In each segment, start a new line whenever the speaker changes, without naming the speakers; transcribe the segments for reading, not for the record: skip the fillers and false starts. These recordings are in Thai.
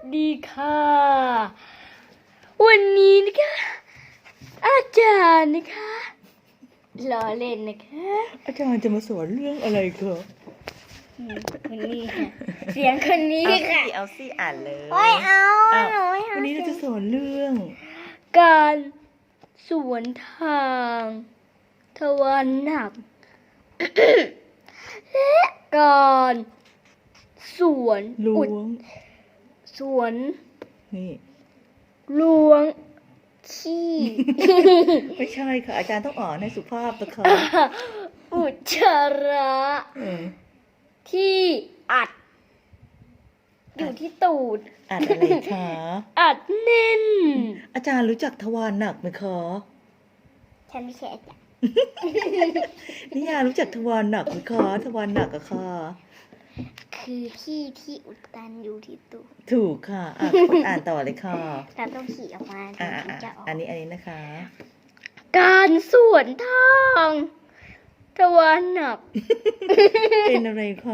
ดีค่ะวันนี้นะคะอาจารย์นะคะล้อเล่นนะคะ
อาจารย์จะมาสอนเรื่องอะไรคะ
คนนี้ค่ะเสียงคนนี้ค่ะ
เอาสิอ่านเลย
โอ้ยเอา
อ้าว
หนูไม่เอา
วันนี้เราจะสอนเรื่อง
การสวนทางทวารหนัก และการสวน
ล้วง
สวน
นี่
ล้วงขี้
ไม่ใช่ค่ะ อาจารย์ต้องอ่านให้สุภาพนะคะ
อุจจาระ
เออ
ที่อัด อยู่ที่ตูด
อ่านอะไรคะ
อัดแน่น
อาจารย์รู้จักทวารหนักไหมคะ
ฉันไม่ใช่อาจารย์
นิยารู้จักทวารหนักไหมคะทวารหนักอะค่ะ
คือขี้ที่อุดตันอยู่ที่ตูด
ถูกค่ะอ่านต่อเลยค่ะ
เราต้องขี่ออกมาถึ
อ่าง
ที่จะออก
อันนี้นะคะ
การสวนทางทวารหนัก
เป็นอะไรคะ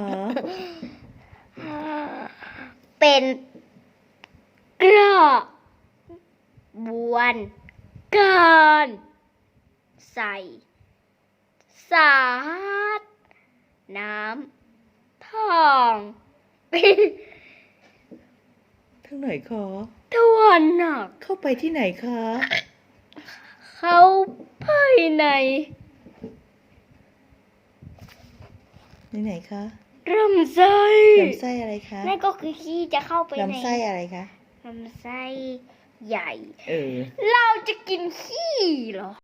เป็นกระบวนการใส่สารน้ำทองเป็น
ทางไหนคะ
ทวารหนัก
เข้าไปที่ไหนคะ
เข้าภายใน
ไหนคะ
ลำไส้
ลำไส้อะไรคะ
นั่นก็คือขี้จะเข้าไปใน
ลำไส้อะไรคะ
ลำไส้ใหญ่
เออ
เราจะกินขี้เหรอ